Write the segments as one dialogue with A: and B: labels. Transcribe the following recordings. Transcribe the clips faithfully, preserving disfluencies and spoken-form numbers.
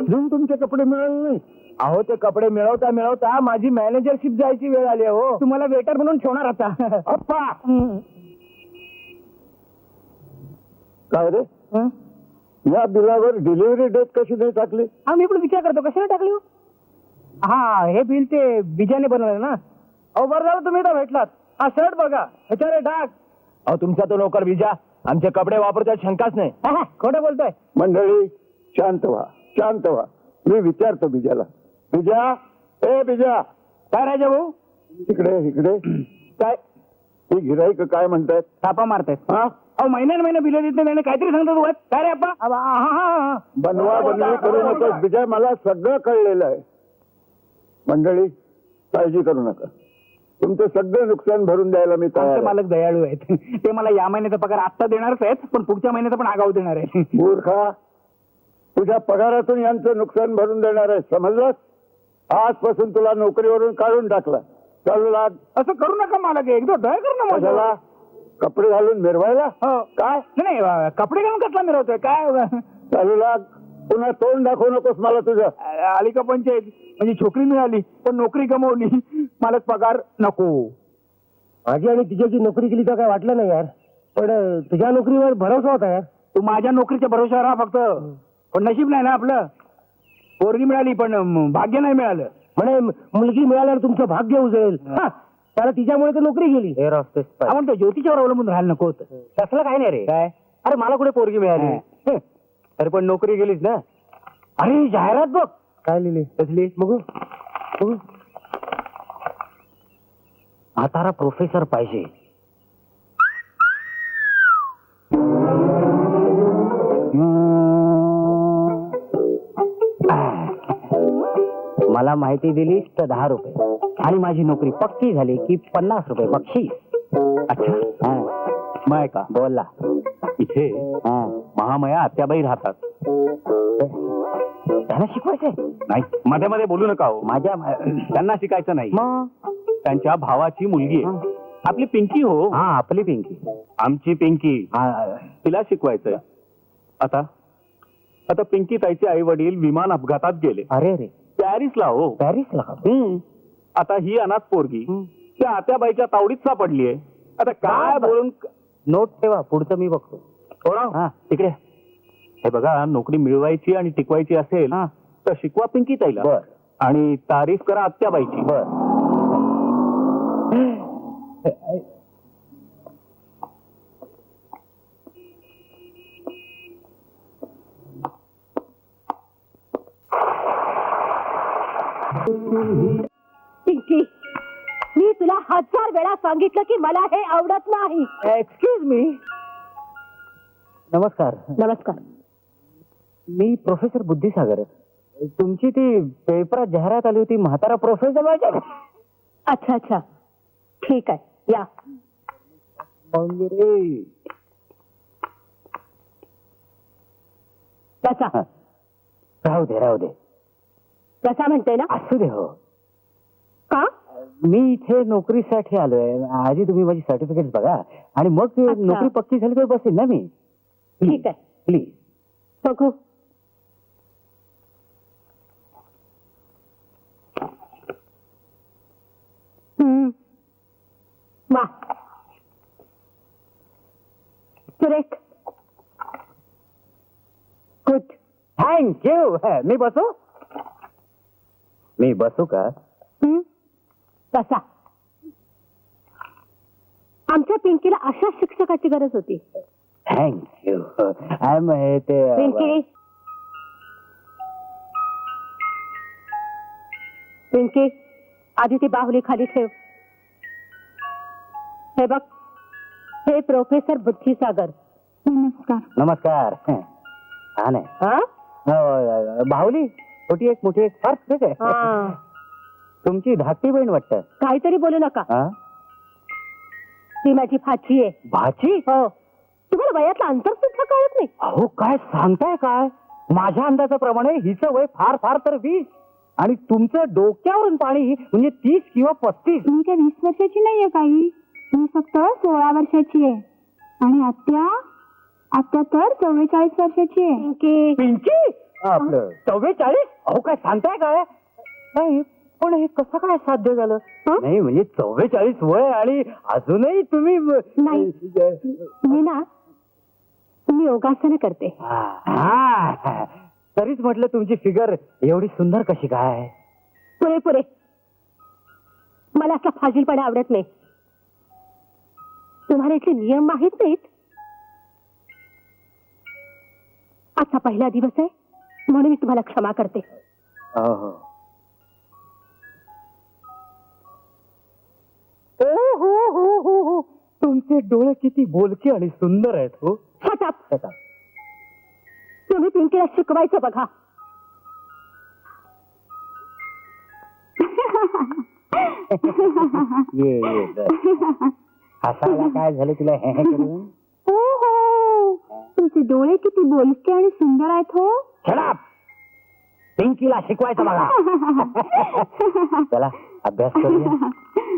A: अजून तुमचे कपडे मिळाले नाही?
B: अहो ते कपडे मिळवता मिळवता माझी मॅनेजरशिप जायची वेळ आली आहे हो.
C: तुम्हाला वेटर म्हणून ठेवणार आता.
B: अप्पा
C: हं.
A: काय रे,
C: हं?
A: या बिलावर डिलिव्हरी डेट कशी नाही टाकली?
C: हा मी पण विचार करतो कशाला टाकली हो? हा हे बिल ते बिजाने बनवलं ना.
B: अहो बरं झालं तुम्ही इथं भेटलात. हा शर्ट बघा ह्याच्यावर डाग. अहो तुमचा तो नोकर विजा आमचे कपडे वापरतात शंकाच नाही.
C: हा, हा, खोटं बोलतोय.
A: मंडळी शांत व्हा, शांत व्हा. मी विचारतो बिजाला. बिजा, ए बिजा,
B: काय राजा भाऊ?
A: इकडे इकडे.
B: काय
A: ही गिराईक काय म्हणतात?
C: थापा मारतायत.
A: हा,
C: अहो महिन्यान महिना बिल देत नाही काहीतरी सांगतो तू. काय रे अप्पा? अबा, हा, हा, हा.
A: बनवा बनवी करू नकोस बिजा, मला सगळं कळलेलं आहे. मंडळी काळजी करू नका, तुमचं सगळं नुकसान भरून द्यायला मी तयार
C: आमचे
A: आहे.
C: मालक दयाळू आहेत. ते मला या महिन्याचा पगार आत्ता देणारच आहेत, पण पुढच्या महिन्याचा पण आगाऊ देणार आहे.
A: मूर्खा, तुझ्या पगारातून यांचं नुकसान भरून देणार आहे, समजलंस? आजपासून तुला नोकरीवरून काढून टाकला. चालू लाग.
C: असं करू नका मालक, एकदा दया कर ना माझ्यावर.
A: कशाला? कपडे घालून मिरवायला?
C: हो.
A: काय?
C: नाही नाही, कपडे घालून कसला मिरवतोय काय?
A: चालू लाग. पुन्हा तोंड दाखवू नकोस मला तुझं.
C: आली का पंचायत? म्हणजे छोकरी मिळाली पण नोकरी गमावली. मालक पगार नको.
B: माझी आणि तिच्याची नोकरी केली तर काय वाटलं नाही यार, पण अं, तुझ्या नोकरीवर भरोसा होता यार.
C: तू माझ्या नोकरीच्या भरोशावर राहा फक्त. पण नशीब नाही ना आपलं. पोरगी मिळाली पण अं, भाग्य नाही मिळालं.
B: म्हणे मुलगी मिळाल्यावर तुमचं भाग्य उजळेल.
C: हा.
B: त्याला तिच्यामुळे तर नोकरी गेली.
C: आपण तो ज्योतिषावर अवलंबून राहायला नको होतं.
B: तसलं काय नाही रे.
C: काय?
B: अरे मला कुठे पोरगी मिळाली.
C: हा.
B: अरे पण नोकरी गेलीच ना. अरे जाहिरात बघ. काय लिहिली? कसली? बघू बघू. म्हातारा प्रोफेसर पाहिजे. मला माहिती दिलीस तर दहा रुपये आणि माझी नोकरी पक्की झाली की पन्नास रुपये बक्षीस.
D: अच्छा, मग का
B: बोलला.
D: इथे महामया आत्याबाई राहतात.
B: त्यांना शिकवायचंय?
D: नाही, मध्ये मध्ये बोलू नका हो.
B: माझ्या
D: त्यांना शिकायचं नाही.
B: मग
D: त्यांच्या भावाची मुलगी आहे आपली पिंकी हो.
B: हा आपली पिंकी.
D: आमची पिंकी,
B: हा,
D: तिला शिकवायचंय. आता आता पिंकी ताईचे आई वडील विमान अपघातात गेले
B: अरे रे.
D: पॅरिसला हो.
B: पॅरिसला का?
D: हम्म. आता ही अनाथ पोरगी त्या आत्याबाईच्या तावडीत सापडली आहे. आता काय बोलून
B: नोट ठेवा, पुढचं मी बघतो.
D: थोडा
B: हा.
D: तिकडे हे बघा, नोकरी मिळवायची आणि टिकवायची असेल
B: हा.
D: तर शिकवा पिंकी ताईला.
B: बर.
D: आणि तारीफ करा आत्याबाईची.
B: बर.
E: पिंकी, मी तुला हजार वेळा सांगितलं की मला हे आवडत नाही.
B: Excuse me. नमस्कार.
E: नमस्कार.
B: मी प्रोफेसर बुद्धिसागर. तुमची ती पेपरात जाहिरात आली होती, म्हातारा प्रोफेसर पाहिजे.
E: अच्छा अच्छा, ठीक आहे, या. कसा
B: हा. राहू दे राहू दे.
E: कसा म्हणते ना?
B: असू दे हो.
E: का?
B: मी इथे नोकरीसाठी आलोय. आधी तुम्ही माझी सर्टिफिकेट बघा आणि मग
E: अच्छा.
B: नोकरी पक्की झाली तर बसेल ना मी.
E: ठीक आहे,
B: प्लीज.
E: बघू. हम्म. वा, सुरेख. गुड.
B: थँक्यू. मी बसू? मी बसू का?
E: हम्म. कसा? आमच्या पिंकीला अशा शिक्षकाची गरज होती.
B: थँक्यू. आय एम हे ते
E: पिंकी, पिंकी, आधी ती बाहुली खाली ठेव. हे बघ, हे प्रोफेसर बुद्धिसागर. नमस्कार.
B: नमस्कार. छान आहे.
E: हा?
B: हो, बाहुली छोटी एक मोठी एक फार ठीक आहे.
E: हा.
B: तुमची धाकटी बहीण वाटतं.
E: काहीतरी बोलू नका.
B: हा?
E: ती माझी भाची आहे.
B: भाची?
E: हो. तुम्हाला वयातलं अंतर सुद्धा कळत नाही.
B: अहो काय सांगताय काय? माझ्या अंदाजाप्रमाणे हिचं वय फार फार तर वीस आणि तुमचं डोक्यावरून पाणी म्हणजे तीस किंवा पस्तीस.
F: मी काय वीस वर्षाची नाहीये काही, मी फक्त सोळा वर्षाची आहे आणि आत्या आत्या तर चव्वेचाळीस वर्षाची आहे.
E: पिंकी,
B: पिंकी आपलं चव्वेचाळीस अहो काय सांगताय काय नाही पण हे कसं काय साध्य झालं
E: हं?
B: नाही म्हणजे चव्वेचाळीस वय आणि अजूनही तुम्ही
E: नाही. मी ना मी योगासनं करते.
B: हा. तरीच म्हटलं तुमची फिगर एवढी सुंदर कशी काय
E: पुरे पुरे मला असला फाजीलपणा आवडत नाही. तुम्हाला इथले नियम माहित नाहीत. आजचा पहिला दिवस आहे म्हणून मी तुम्हाला क्षमा करते.
B: हो हो ओ हो हो हो हो तुमचे डोळे किती बोलके आणि सुंदर आहेत हो
E: Shut up. तुम्ही पिंकीला शिकवायचं बघा.
B: ये ये बर. हसायला काय झालं तुला हे हे करून
F: हो हो तुमचे डोळे किती बोलके आणि सुंदर आहेत हो.
B: छडाप पिंकीला शिकवायचं बघा. चला अभ्यास करूया.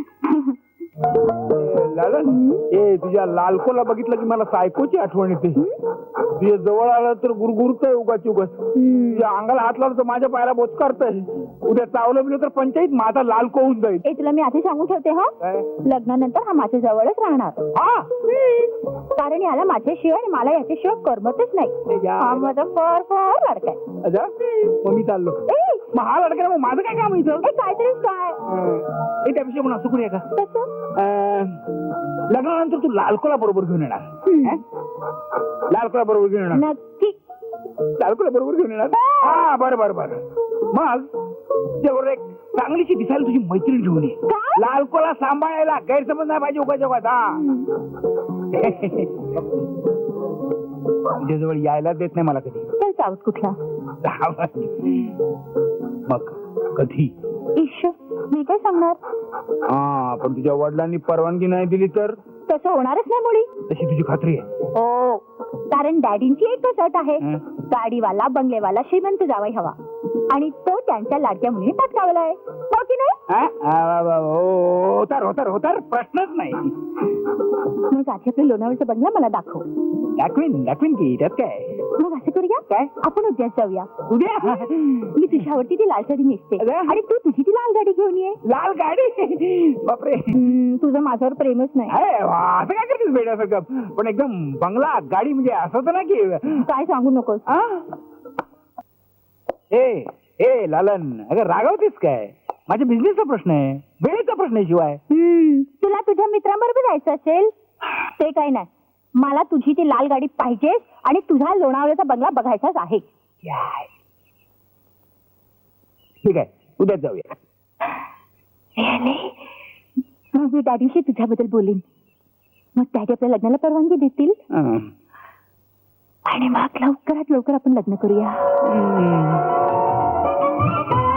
C: लालन ए तुझ्या लालकोला बघितलं की मला सायकोची आठवण येते. तुझ्या जवळ आलं तर गुरगुरतय उगाच उगाच. तुझ्या अंगाला हात लावलं तर माझ्या पायाला बोचकारतय. उद्या चावलं बिलं तर पंचायत माझा लालको होऊन जाईल.
E: ए तुला मी आधी सांगून ठेवते हो
C: काय?
E: लग्नानंतर हा माझ्या जवळच राहणार.
C: हा
E: कारण याला माझ्याशिवाय आणि मला याच्याशिवाय करमतच नाही.
C: या.
E: हा माझा फार फार लाडका आहे.
C: अच्छा मग मी चाललो.
E: ए,
C: मग हा लडका मग माझं काय काम आहे इथं?
E: ए, काहीतरी काय
C: ए, त्यापेक्षा म्हणून असं करूया का
E: तसं
C: अं, लग्नानंतर तू लालकोला बरोबर घेऊन येणार. हं? लालकोला बरोबर घेऊन येणार.
E: नक्की.
C: लालकोला बरोबर घेऊन येणार. हा बरं बरं बरं मग त्याबरोबर एक चांगलीची दिसायला तुझी मैत्रीण घेऊन ये.
E: काय?
C: लालकोला सांभाळायला गैरसमज नाही पाहिजे उगाच उगाच. हा तुझ्याजवळ यायला देत नाही मला कधी.
E: चल साऊथ कुठला
C: मग कधी
E: ईश मी काय सांगणार.
C: हा पण तुझ्या वडिलांनी परवानगी नाही दिली तर
E: तसं होणारच नाही मुळी.
C: तशी तुझी खात्री आहे.
E: हो कारण डॅडींची एकच अट आहे.
C: हं?
E: गाडीवाला बंगलेवाला श्रीमंत जावाई हवा आणि तो त्यांच्या लाडक्या मुलीने पटकावला आहे. हो की नाही.
C: हा? आ, वा, हो, होतार होतार होतार प्रश्नच नाही.
E: मग आधी आपल्या लोणावळचा बंगला मला दाखव.
C: दाखवीन दाखवीन की त्यात काय.
E: मग असं करूया
C: काय?
E: आपण उद्याच जाऊया.
C: उद्या
E: मी तुझ्यावरती ती लाल साडी नेसते
C: अरे?
E: आणि तू तुझी ती लाल गाडी घेऊन ये.
C: लाल गाडी बापरे.
E: हम्म, तुझं माझ्यावर प्रेमच नाही.
C: अरे वा, असं काय करतेस बेड्यासारखं. पण एकदम बंगला गाडी म्हणजे असं होतं ना की
E: काय सांगू नकोस.
C: आ? ए ए लालन अगं रागवतेस काय. माझ्या बिझनेसचा प्रश्न आहे वेळेचा प्रश्न आहे शिवाय.
E: हम्म, तुला तुझ्या मित्रांबरोबर जायचं असेल ते काही नाही. मला तुझी ती लाल गाडी पाहिजे आणि तुझा लोणावळ्याचा बंगला बघायचाच आहे.
C: ठीक आहे उद्याच जाऊया.
E: मग मी डॅडीशी तुझ्याबद्दल बोलीन. मग डॅडी आपल्या लग्नाला परवानगी देतील
C: हं.
E: आणि मग लवकरात लवकर आपण लग्न करूया.
C: हं.